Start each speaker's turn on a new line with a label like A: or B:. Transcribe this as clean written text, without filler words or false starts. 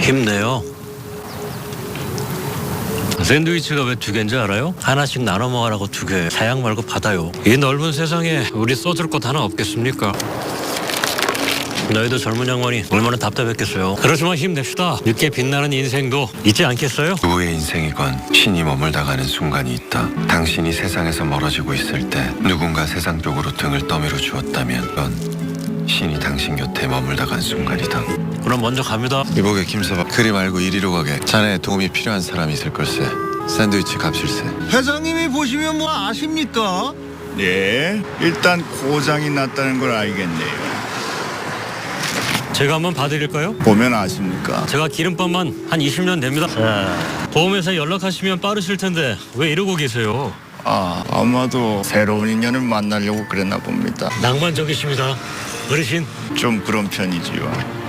A: 힘내요. 샌드위치가 왜 2개인지 알아요? 하나씩 나눠 먹으라고 2개. 사양 말고 받아요. 이 넓은 세상에 우리 써줄 것 하나 없겠습니까? 너희도 젊은 양반이 얼마나 답답했겠어요. 그렇지만 힘냅시다. 늦게 빛나는 인생도 있지 않겠어요?
B: 누구의 인생이건 신이 머물다 가는 순간이 있다. 당신이 세상에서 멀어지고 있을 때 누군가 세상 쪽으로 등을 떠밀어 주었다면 그건 신이 당신 곁에 머물다 간 순간이다.
A: 그럼 먼저 갑니다.
B: 이보게 김서방, 그리 말고 이리로 가게. 자네 도움이 필요한 사람이 있을 걸세. 샌드위치 값일세.
C: 회장님이 보시면 뭐 아십니까?
D: 네, 일단 고장이 났다는 걸 알겠네요.
A: 제가 한번 봐드릴까요?
D: 보면 아십니까?
A: 제가 기름값만 한 20년 됩니다. 보험회사에 연락하시면 빠르실 텐데 왜 이러고 계세요?
D: 아마도 새로운 인연을 만나려고 그랬나 봅니다.
A: 낭만적이십니다. 어르신.
D: 좀 그런 편이지요.